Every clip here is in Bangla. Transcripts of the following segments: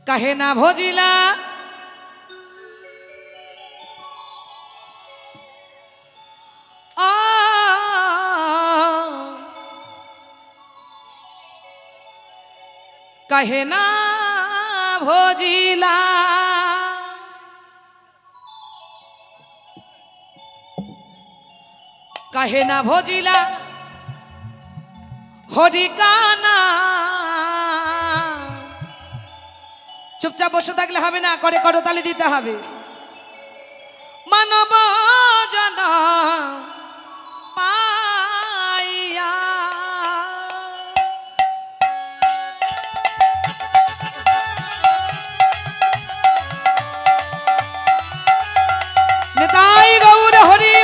कहे ना भोजिला कहे ना भोजिला कहे ना भोजिला হরিকানা চুপচাপ বসে থাকলে হবে না, করে করতালি দিতে হবে। মানব জন পাইয়া নিতাই গৌর হরিব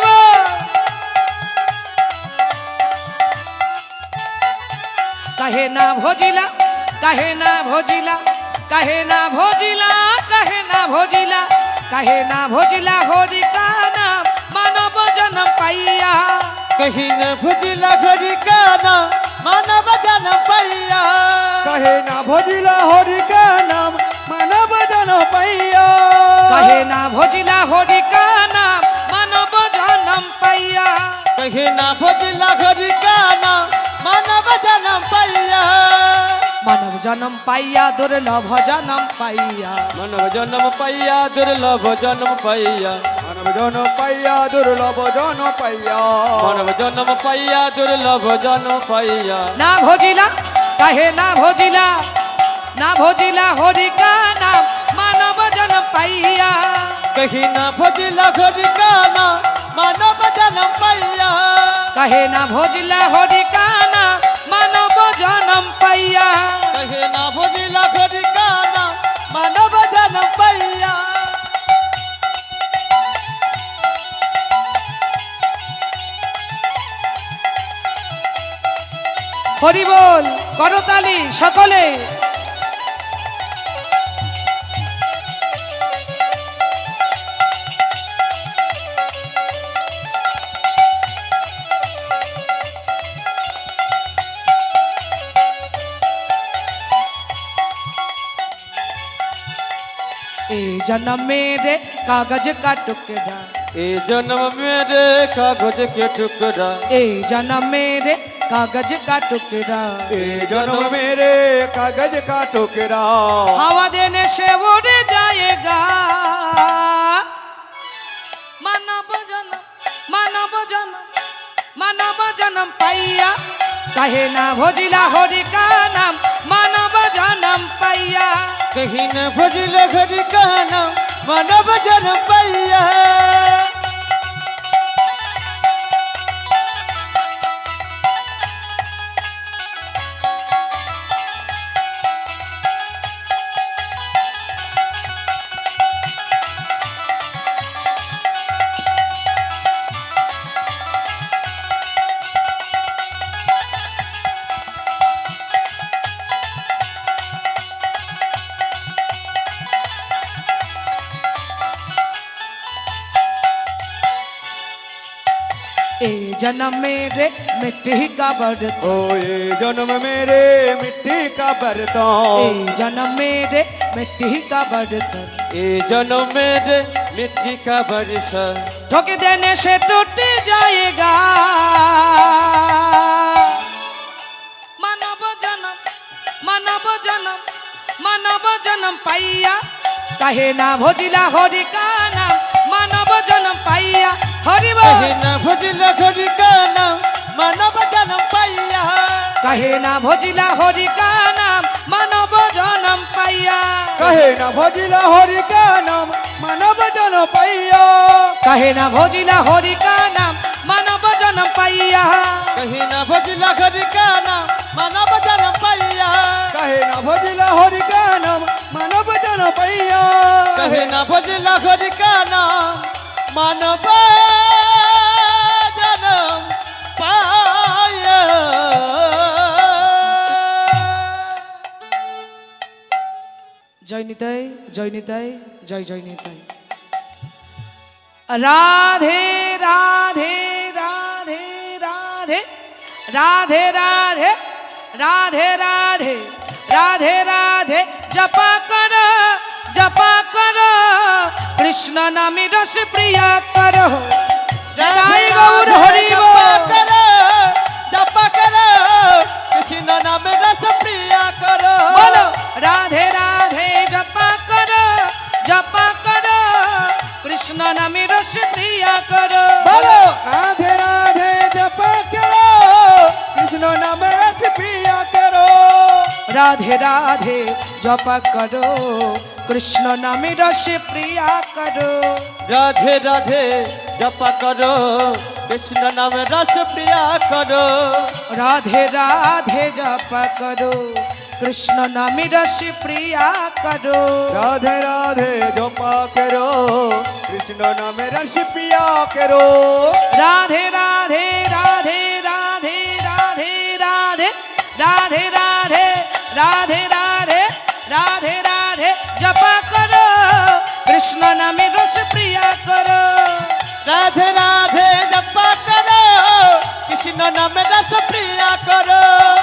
कहे ना भोजिला कहे ना भोजिला कहे ना भोजिला कहे ना भोजिला कहे ना भोजिला होरी का नाम मानव जन्म पाइया कहीं न भोजिला होरी का नाम मानव जन्म पाइया कहे ना भोजिला होरी का नाम मानव जन्म पाइया कहे ना भोजिला होरी का नाम मानव जन्म पाइया कहीं न भोजिला होरी का नाम मानव जन्म पाइया मानव जन्म पाइया दुर्लभ जन्म पाइया मानव जन्म पाइया दुर्लभ जन्म पाइया मानव जन्म पाइया दुर्लभ जन्म पाइया मानव जन्म पाइया दुर्लभ जन्म पाइया ना भोजिला कहे ना भोजिला होरी का नाम मानव जन्म पाइया कहीं न भोजिला होरी का नाम मानव जन्म पाइया कहे ना भोजिला होरी का नाम मानव जन्म पाइया कहीं न भोजिला होरी का नाम मानव जन्म पाइया हरि बोल करताली सकले ए जन्म मेरे कागज का टुकड़ा ए जन्म मेरे कागज के टुकड़ा ए जन्म मेरे कागज का टुकड़ा ए जन्म मेरे कागज का टुकड़ा हवा देने से उड़ जाएगा मानव जन्म मानव जन्म मानव जन्म पाइया कहे ना भोजिला होरी का नाम मानव जन्म पाइया कहीं न भोजिला होरी का नाम मानव जन्म पाइया ए जन्म मेरे मिट्टी का बर्तन ओ ये जन्म मेरे मिट्टी का बर्तन ए जन्म मेरे मिट्टी का बर्तन ए जन्म मेरे मिट्टी का बर्तन ठोक देने से टूट जाएगा मानव जन्म मानव जन्म मानव जन्म पाइया कहे ना भोजिला होरी का नाम मानव जन्म पाइया हरि बोल कहीं न भोजिला होरी का नाम मानव जन्म पाइया कहे ना भोजिला होरी का नाम मानव जन्म पाइया कहे ना भोजिला होरी का नाम मानव जन्म पाइया कहे ना भोजिला होरी का नाम मानव जन्म पाइया कहीं न भोजिला होरी का नाम मानव जन्म पाइया कहे ना भोजिला होरी का नाम मानव जन्म पाइया कहीं न भोजिला होरी का नाम मानव जन्म पाइया जय निताई जय निताई जय जय निताई राधे राधे राधे राधे राधे राधे राधे राधे राधे राधे जपा कर কৃষ্ণ নামে রস প্রিয়া করো রাধে তাই গৌর রাধে হরি জপা বল। করো, জপা করো, কৃষ্ণ নামে রস প্রিয়া করো। বলো রাধে রাধে জপা করো জপা করো কৃষ্ণ নামে রস প্রিয়া করো বলো রাধে রাধে জপ করো কৃষ্ণ নামে রস পিয়া করো রাধে রাধে জপা করো কৃষ্ণ নামে রস প্রিয়া করো রাধে রাধে জপা করো, কৃষ্ণ নামে রস প্রিয়া করো। রাধে রাধে জপা করো কৃষ্ণ নামে রস প্রিয়া করো রাধে রাধে জপ করো কৃষ্ণ নামে রস পিয়া করো রাধে রাধে রাধে রাধে রাধে রাধে রাধে রাধে রাধে রাধে রাধে রাধে জপা করো কৃষ্ণ নামে রস প্রিয়া করো রাধে রাধে জপা করো, কৃষ্ণ নামে রস প্রিয়া করো।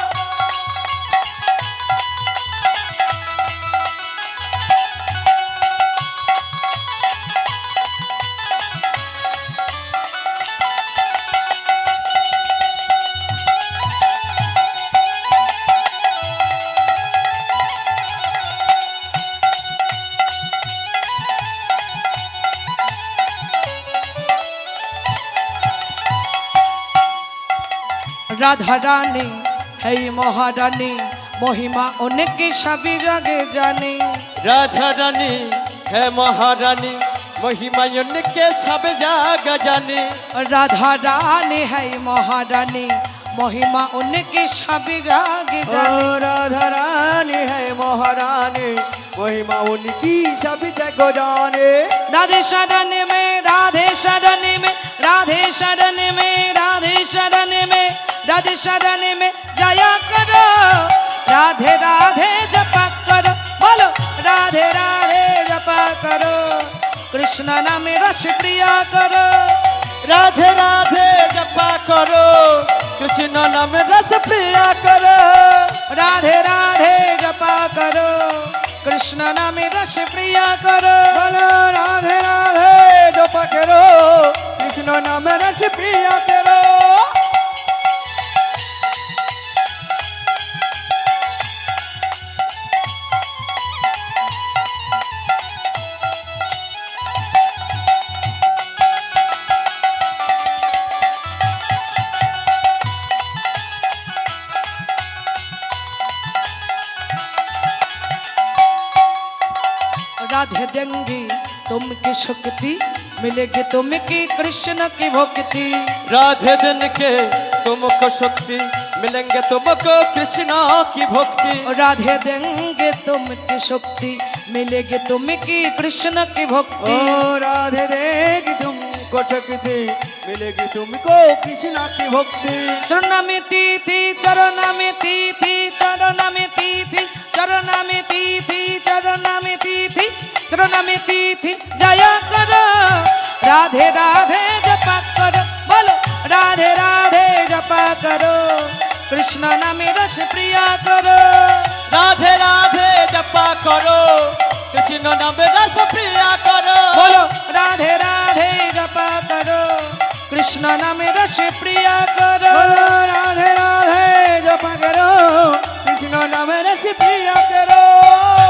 রাধা রানী হেই মহারানী মহিমা অনেকে সবই জগে জানে রাধা রানী হে মহারানী, মহিমায়ন কে সব জায়গা জানে। রাধা রানী হেই মহারানী মহিমা অনেকে সবই জগে ओ জানে राधा रानी है महारानी महिमा उनकी सभी जगह जाने राधे शरण में राधे शरण में राधे शरण में राधे शरण में राधे शरण में जाया करो राधे राधे जपा करो बोलो राधे राधे जपा करो कृष्ण नाम रस प्रिया करो राधे राधे जपा करो, कृष्ण नाम रस प्रिया करो। राधे राधे जपा करो कृष्ण नाम रस प्रिया करो बोलो राधे राधे जप करो कृष्ण नाम रस पिया करो राधे देंगी तुमकी शक्ति मिलेगी तुमकी कृष्ण की भक्ति राधे दिन के तुमको शक्ति मिलेंगे तुमको कृष्ण की भक्ति। राधे देंगे तुमकी शक्ति मिलेगी तुमकी कृष्ण की भक्ति ओ राधे देगी तुमको शक्ति मिलेगी तुमको कृष्ण की भक्ति चरण में तीथि चरण में तीथि चरण में तीथि चरण में तीथि चरण में तीथि चरण में तीथि जया करो राधे राधे जपा करो बोलो राधे राधे जपा करो कृष्ण नाम रस प्रिया करो राधे राधे जपा करो, कृष्ण नाम रस प्रिया करो। बोलो राधे राधे जपा करो कृष्ण नाम रस प्रिया करो बोलो राधे राधे जप करो कृष्ण नाम रस पिया करो